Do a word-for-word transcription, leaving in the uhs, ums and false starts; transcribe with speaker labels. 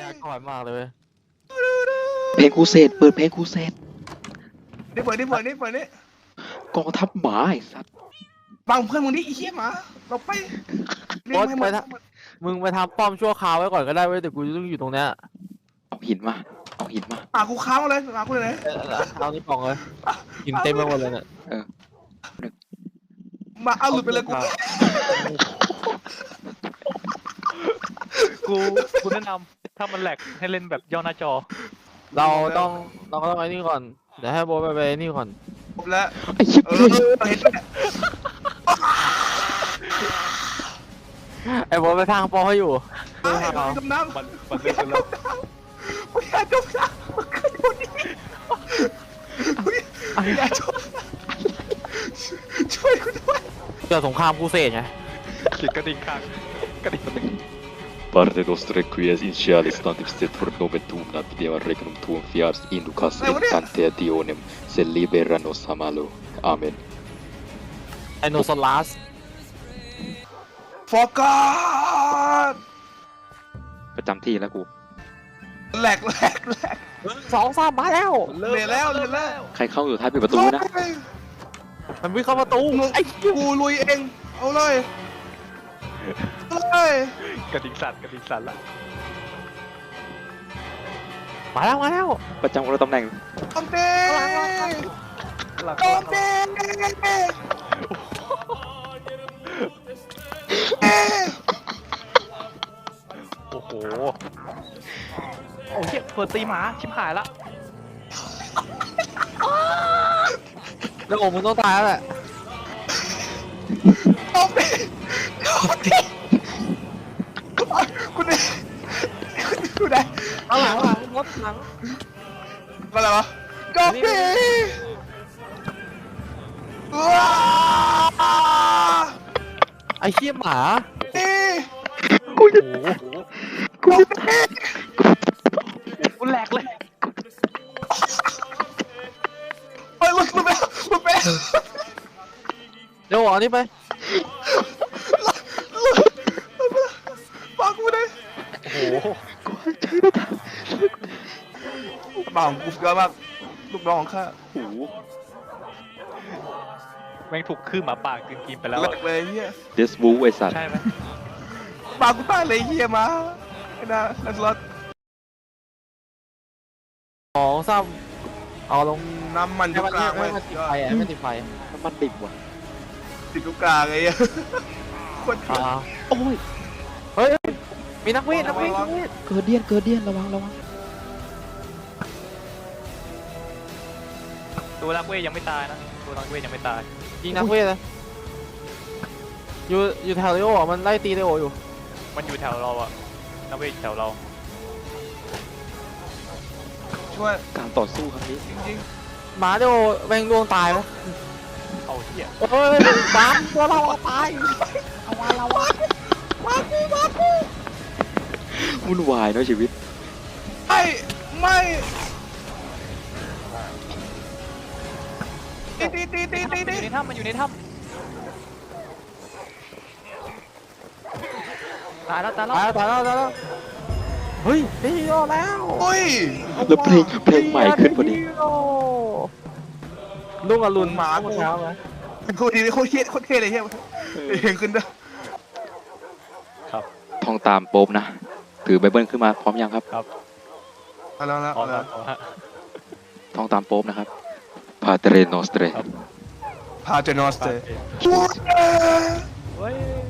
Speaker 1: ก่อนมากเลยเว้ย
Speaker 2: เพลงครูเสดเปิดเพลงครูเสด
Speaker 3: นี่เปิดนี่เปิดนี่เปิดนี่
Speaker 2: กองทัพหมาไอ้สัตว์
Speaker 3: บังเพื่อนมึงดิไอ้เหี้ยหมาเราไปเรียกให้หมด
Speaker 1: มึงไปทำป้อมชั่วคราวไว้ก่อนก็ได้เว้ยแต่กูต้องอยู่ตรงเนี้ย
Speaker 2: เอาหินมาเอาหินมา
Speaker 3: หมากูค้างเลยหมากูเลย
Speaker 1: เออเอานี่ปองเลยกินเต็มไปหมดเลยเนี่ย
Speaker 3: หมาเอาหลุดไปเลยกู
Speaker 4: กูกูแนะนำถ้ามันแหลกให้เล่นแบบย่อหน้าจอ
Speaker 1: เราต้องเราก็ต้องไอ้นี่ก่อนเดี๋ยวให้โบทไปไปไอ้นี่ก่อน
Speaker 3: จบแล้ว
Speaker 2: ไอ้ชิบ
Speaker 3: เอ
Speaker 2: เล
Speaker 3: อย เห็นไหม
Speaker 1: ไอ้โบทไปทางป้อมให้อยู่
Speaker 3: ไอ้หมาจมน้ำ
Speaker 4: มันมันเล่นกันแล้ว
Speaker 3: ไม่อยากจมน้ำมันขึ้นบนนี้ไม่อยากจมช่วยกูด้วย
Speaker 1: เกิดสงครามกูเสกไง
Speaker 4: เขียนกระดิ่งข้างกระดิ่งกระดิ่ง
Speaker 5: Parte nostre quies initialis tantum stet for noventumna videam regnum tuum fiars inducas rectante adionem se libera nos a malo. Amen.
Speaker 1: ไอโนซอลัส
Speaker 3: ฟอร์กอด
Speaker 2: ประจำที่แล้วกู
Speaker 3: แหลกแหลกแหลก
Speaker 1: สองสามมาแล้ว
Speaker 3: เรียนแล้วเรียนแล้ว
Speaker 2: ใครเข้าอยู่ท้ายปิดประตูนะ
Speaker 1: มันวิ่งเข้าประตู
Speaker 3: ไอ้กูลุยเองเอาเลยเอาเลย
Speaker 4: กระดิ่งสั่นกระดิ่งสั่นละ
Speaker 1: มาแล้วมาแล้ว
Speaker 2: ประจำคนละตำแหน่ง
Speaker 3: โจมตี
Speaker 4: หลัง
Speaker 3: โจมตี
Speaker 4: โอ้โหโอ้เหี้ยเปิดตีหมาชิบหายละ
Speaker 1: แล้วโอ้มึงต้องตายแล้วแหละ
Speaker 3: โจมตีโจมตีคุณเนี่ยคุณเนี่ย
Speaker 1: หลังหลังรถหลัง
Speaker 3: อะไรวะโจมตีว้า
Speaker 1: ไอ้เชี่ยหมา
Speaker 3: ตี
Speaker 2: กูจะ
Speaker 4: โอ้โห
Speaker 2: กูจะ
Speaker 4: กูแหลกเลย
Speaker 3: ไปลุกลุกไปลุกไป
Speaker 1: เดี๋ยวเอานี่ไป
Speaker 3: ฟังกูเลย
Speaker 4: โอ้โห
Speaker 3: บ่าวกูเกินมากลูกน้องของข้า
Speaker 2: โอ้โห
Speaker 4: แม่งถูกคือหมาป่ากินกินไปแล้ว
Speaker 3: แหลกเลยเฮีย
Speaker 2: เดสบูไอ้สัตว์
Speaker 4: ใช่ไหม
Speaker 3: บ่าวกูตายเลยเฮียมาไอ้น่านักรถ
Speaker 1: สองสามเอาลง
Speaker 3: น้ำมันอ
Speaker 1: ให้
Speaker 3: ยู่
Speaker 1: มัน
Speaker 3: กลาง
Speaker 1: ให้
Speaker 3: ไว้
Speaker 1: มันติดไฟอ่ะให้มันติดไฟ
Speaker 2: น้ำมันดิบว่ะ
Speaker 3: ติดอยู่กลางไอ้เหี้ยโคน
Speaker 1: อ่า
Speaker 2: โอ้ย
Speaker 1: เฮ้ยมีนักเวทนักเวทนักเวท
Speaker 2: เกิดเดียนเกิดเดียนระวังระวัง
Speaker 4: ตัวนักเวทยังไม่ตายนะตัวนักเวทยังไม่ตาย
Speaker 1: ยิงนักเวทเลยอยู่อยู่แถวเลโออ่ะมันไล่ตีเลโออยู่
Speaker 4: มันอยู่แถวเราอะนักเวทอยู่แถวเรา
Speaker 3: ช่วย
Speaker 2: การต่อสู้ครั้งนี้
Speaker 3: จริง
Speaker 1: หมาเลโอแม่งดวงตายไหม
Speaker 4: เอาเหี้ย
Speaker 1: โอ้ยบ้ามตัวเราอะตายเอาวะเราวะ
Speaker 3: ๆมากูมากู
Speaker 2: วุ่นวายเนาะชีวิต
Speaker 3: ไม่ไม่ตีตีตีตีตี
Speaker 4: มันอ
Speaker 3: ตี
Speaker 4: ยู่ในถ้ำมันอยู่ในถ้ำตายแล้วตายแล้ว
Speaker 1: ตายแล้วตายแล้วตายแล้วเฮ้ยฮีโร่แล้ว
Speaker 3: โอ้ย
Speaker 2: แล้วเพลงเพลงใหม่ขึ้นพอดี
Speaker 1: ฮีโร่ลุงอรุณ
Speaker 3: หมากู
Speaker 1: เช้าไหม
Speaker 3: โคตรดีโคตรเท่โคตรเท่เลยเฮียเห็นขึ้นด้วย
Speaker 4: ครับ
Speaker 2: ท่องตามโป๊บนะ ถือไบเบิลขึ้นมาพร้อมยังครับ
Speaker 4: ครับ
Speaker 3: เอาแล้วนะ
Speaker 4: พร้อ
Speaker 3: เอา
Speaker 4: ม
Speaker 3: แล้
Speaker 4: แล้ว วฮะ
Speaker 2: ท่องตามโป๊บนะครับพาเตเรโนสเตร
Speaker 4: ครับ
Speaker 3: พาเจนอสเต
Speaker 4: เฮ้ย